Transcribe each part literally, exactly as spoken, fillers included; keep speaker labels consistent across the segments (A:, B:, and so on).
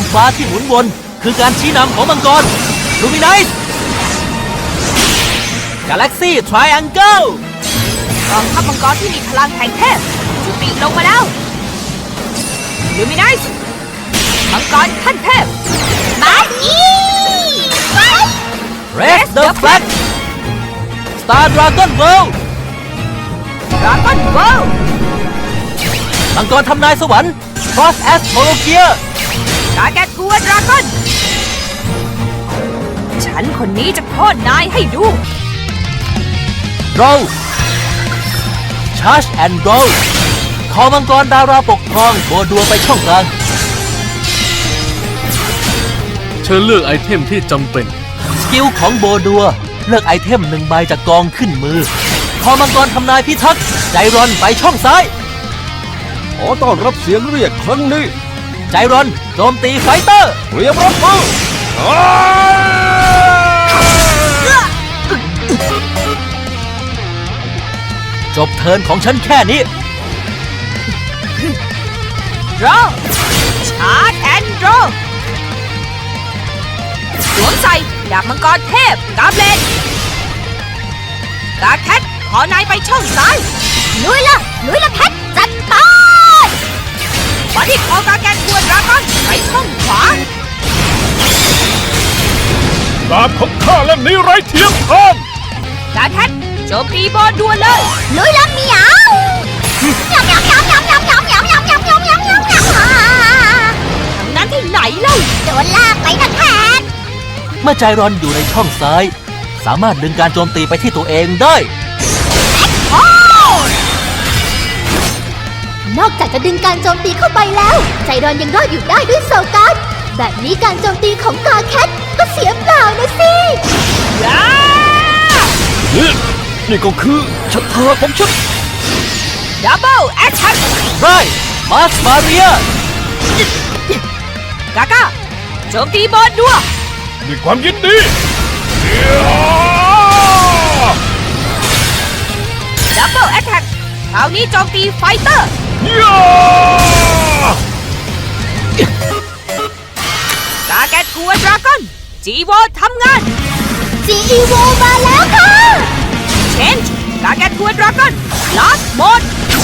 A: ฟ้าที่หมุนวนคือการชี้นำของมังกรลูมิไนซ์กาแล็กซี่ทริแองเกิล
B: กองทัพมังกรที่มีพลังแห่งเทพจุติลงมาแล้วลูมิไนซ์มังกรขั้นเทพมาอี
A: เรสเดอะแฟลกสตาร์ดราก้อนเวิลด์
B: ดราก้อนเวิลด์
A: มังกรทำนายสวรรค์ครอสแอสโทโลเกีย
B: กาแกตกัวดราก้อนฉันคนนี้จะโค่นนายให้ดู
A: โรชาร์จแอนด์โรคอมังกรดาราปกครองโบดัวไปช่องกลาง
C: เชิญเลือกไอเทมที่จำเป็น
A: สกิลของโบดัวเลือกไอเทมหนึ่งใบจากกองขึ้นมือคอมังกรทำนายพิทักษ์ใจรอนไปช่องซ้าย
D: ขอต้อนรับเสียงเรียกครั้งนี้
A: ใจรอนโจมตีไฟเตอร์
D: เตรียมรับมือ
A: จบเทิร์นของฉันแค่นี้
B: รอชาร์จแอนด์โรสวมใส่ดาบมังกรเทพกาเบลนกาแคทขอนายไปช่องซ้ายลุยละลุยละแคทจัดไปบอดี้คอกาแกนกัวดราก้อนไปช่องขวา
D: ดาบของข้าเล่มนี้ไร้เทียมทาน
B: กาแคทโจมตีบอลด่วนเลยลุยละเหมียวหยำหยำหยำหยำหยำหยำหยำหยำหยำหยำหยำหยำหยำทางนั้นที่ไหนเล่าโดนลากไปนะแคท
A: เมื่อใจรอนอยู่ในช่องซ้ายสามารถดึงการโจมตีไปที่ตัวเองได้
E: นอกจากจะดึงการโจมตีเข้าไปแล้วใจรอนยังรอดอยู่ได้ด้วยโซการ์ดแบบนี้การโจมตีของกาแคทก็เสียเปล่านะสิ
D: นี่นี่ก็คือชะตาของฉัน
B: ดับเบิลแอคชั่น
A: ไรมาสมาเรีย
B: กาก้าโจมตีบอลด่วน
D: ด้วยความยินดี
B: ดับเบิลแอทแทคคราวนี้โจมตีไฟเตอร์กาแกตกัวดราก้อนจีโวทำงาน
E: จีโวมาแล้วค่ะ
B: เชนจ์กาแกตกัวดราก้อนลาสโหมด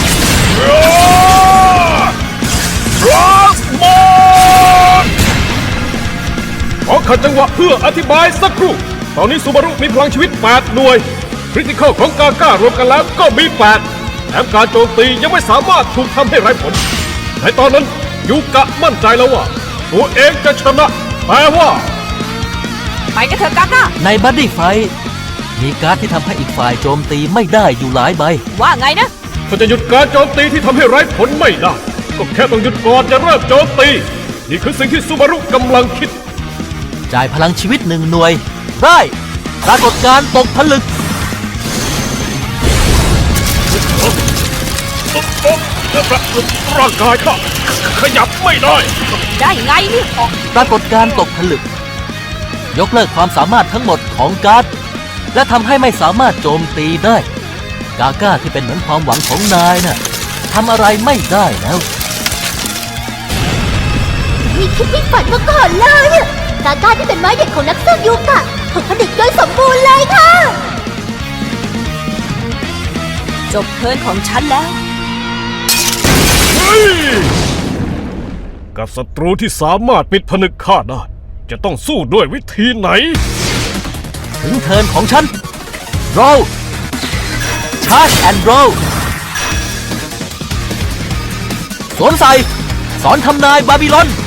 D: ลาสโหมดขอขัดจังหวะเพื่ออธิบายสักครู่ตอนนี้ซูบารุมีพลังชีวิตแปดหน่วยคริติคอลของกาก้ารวมกันแล้วก็มีแปดแถมการโจมตียังไม่สามารถถูกทำให้ไร้ผลในตอนนั้นยูกะมั่นใจแล้วว่าตัวเองจะชนะแปลว่า
B: ไปกันเถอะกาก้า
A: ในบัดดี้ไฟท์มีการ์ดที่ทำให้อีกฝ่ายโจมตีไม่ได้อยู่หลายใบ
B: ว่าไงนะ
D: ถ้าจะหยุดการโจมตีที่ทำให้ไร้ผลไม่ได้ก็แค่ต้องหยุดก่อนจะเริ่มโจมตีนี่คือสิ่งที่ซูบารุกำลังคิด
A: จ่ายพลังชีวิตหนึ่งหน่วยได้ปรากฏการตกผลึก
D: ร่างกายข้าขยับไม่ได้
B: ได้ไงนี่
A: ปรากฏการตกผลึกยกเลิกความสามารถทั้งหมดของการ์ดและทำให้ไม่สามารถโจมตีได้กาก้าที่เป็นเหมือนความหวังของนายน่ะทำอะไรไม่ได้แล้ว
E: ไม่คิดไม่ฝันมาก่อนเลยกาก้าที่เป็นไม้เด็ดของนักสู้ยูกะถูกผลิตโดยสมบูรณ์เลยค่ะ
B: จบเทิร์นของฉันแล้ว
D: กับศัตรูที่สามารถปิดผนึกข้าได้จะต้องสู้ด้วยวิธีไหน
A: ถึงเทิร์นของฉันโรลชาร์จแอนด์โรลสวมใส่สอนทำนายบาบิลอน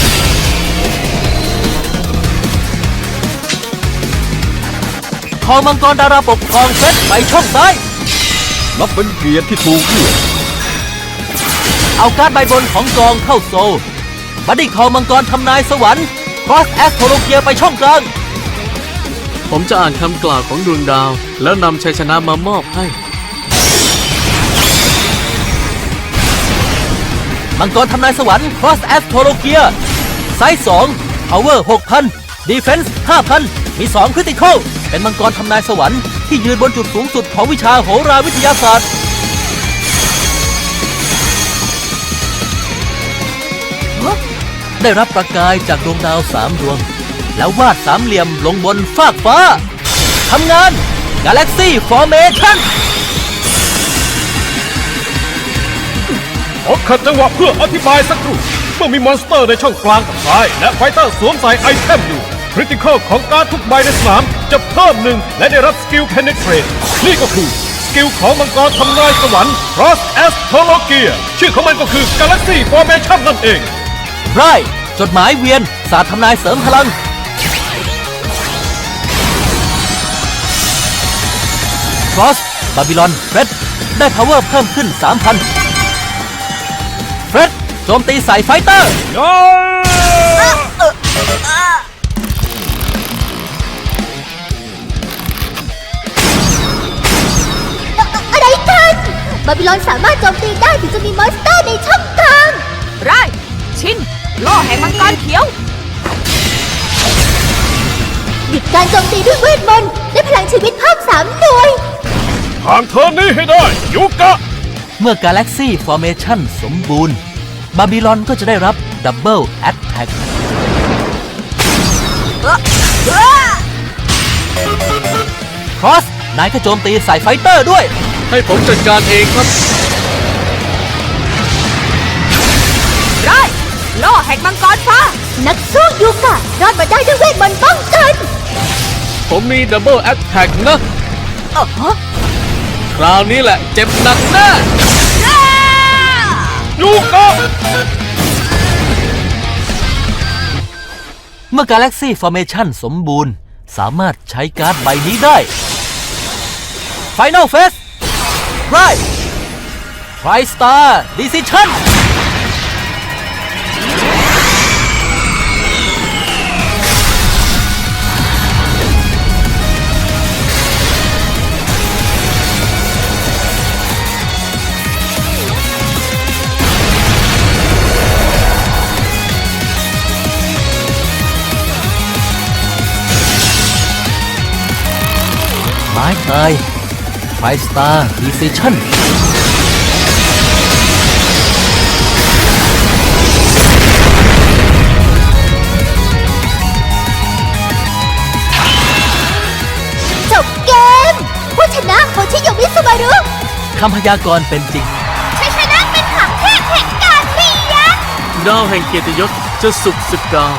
A: คอมังกรดาราปกครองเซตไปช่องซ้าย
D: นับเป็นเกียรติที่ถูกเลือก
A: เอาการ์ดใบบนของกองเข้าโซลบัดดี้คอมังกรทำนายสวรรค์ครอสแอสโทโลเกียไปช่องกลาง
C: ผมจะอ่านคำกล่าวของดวงดาวแล้วนำชัยชนะมามอบให้
A: มังกรทำนายสวรรค์ครอสแอสโทโลเกียไซส์สองพาวเวอร์หกพันดีเฟนส์ห้าพันมีสองคริติคอลเป็นมังกรทำนายสวรรค์ที่ยืนบนจุดสูงสุดของวิชาโหราวิทยาศาสตร์ได้รับประกายจากดวงดาวสามดวง แล้ววาดสามเหลี่ยมลงบนฟากฟ้าทำงาน Galaxy Formation
D: ขอขัดจังหวะเพื่ออธิบายสักครู่เมื่อมีมอนสเตอร์ในช่องกลางกับซ้าย และไฟเตอร์สวมใส่ไอเทมอยู่คริติคอลของการดทุกใบในสนามจะเพิ่มหนึ่งและได้รับสกิล Penetrate นี่ก็คือสกิลของมังกรทำนายสวรรค์ Cross Astrologia ชื่อของมันก็คือ Galaxy Formation นั่นเอง
A: ไรจดหมายเวียนศาสตร์ทำนายเสริมพลัง Cross บาบิลอนเฟรดได้ power เพิ่มขึ้น สามพัน เฟรดโจมตีใส่ไฟเตอร์
E: อะไรกัน บาบิลอนสามารถโจมตีได้ถึงจะมีมอนสเตอร์ในช่องกลาง
B: ไรชินโล่แห่งมังกรเขียว
E: หยุดการโจมตีด้วยเวทมนต์ได้พลังชีวิตเพิ่มสามหน่วย
D: ผ่านเทิร์นนี้ให้ได้ยูกะ
A: เมื่อ Galaxy Formation สมบูรณ์ บาบิลอนก็จะได้รับ Double Attack Cross นายก็โจมตีใส่ไฟเตอร์ด้วย
C: ให้ผมจัดการเองครับ
B: ไรโล่แห่งมังกรฟ้า
E: นักสู้ยูกะรอดมาได้ด้วยเวทมนต์ป้องกัน
C: ผมมีดับเบิลแอตแทกนะ
B: เออฮะ
C: คราวนี้แหละเจ็บหนักแน่
D: ยูกะ
A: เมื่อ Galaxy Formation สมบูรณ์ สามารถใช้การ์ดใบนี้ได้ Final Phase Right Tri-Star Decision ไม้ตาย Tri-Star Decision
E: จบเกม ผู้ชนะโคชิโยมิสุบารุ
A: คำพยากรณ์เป็นจริง
E: ชัยชนะเป็นของเทพแห่งการเรียน
C: ดาวแห่งเกียรติยศจะสุกสกาว